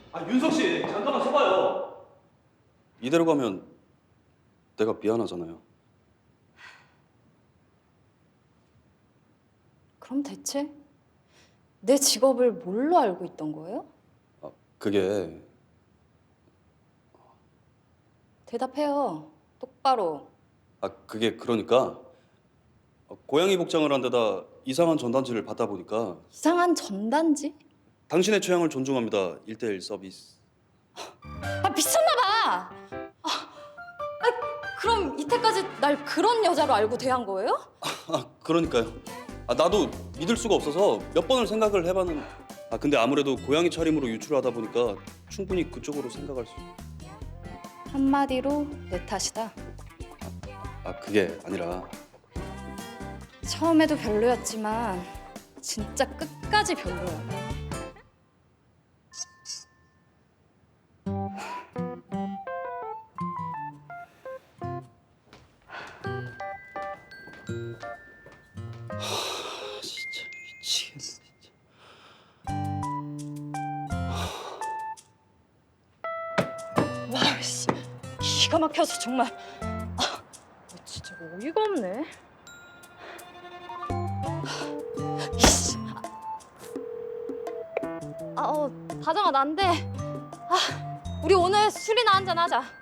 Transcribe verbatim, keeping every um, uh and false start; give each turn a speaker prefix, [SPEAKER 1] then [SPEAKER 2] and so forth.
[SPEAKER 1] 아 윤석 씨 잠깐만 서봐요.
[SPEAKER 2] 이대로 가면 내가 미안하잖아요.
[SPEAKER 3] 그럼 대체 내 직업을 뭘로 알고 있던 거예요?
[SPEAKER 2] 아, 그게
[SPEAKER 3] 대답해요. 똑바로.
[SPEAKER 2] 아 그게 그러니까 고양이 복장을 한 데다 이상한 전단지를 받다 보니까
[SPEAKER 3] 이상한 전단지?
[SPEAKER 2] 당신의 취향을 존중합니다. 일대일 서비스.
[SPEAKER 3] 아 미쳤나 봐. 아, 아, 그럼 이때까지 날 그런 여자로 알고 대한 거예요?
[SPEAKER 2] 아 그러니까요. 아 나도 믿을 수가 없어서 몇 번을 생각을 해봤는. 아 근데 아무래도 고양이 차림으로 유출하다 보니까 충분히 그쪽으로 생각할 수.
[SPEAKER 3] 한마디로 내 탓이다.
[SPEAKER 2] 아 그게 아니라
[SPEAKER 3] 처음에도 별로였지만 진짜 끝까지 별로야.
[SPEAKER 2] 아, 진짜 미치겠네 진짜.
[SPEAKER 3] 와, 씨, 기가 막혀서 정말. 아, 진짜 어이가 없네. 이씨. 아, 어, 다정아, 난데. 아, 우리 오늘 술이나 한잔 하자.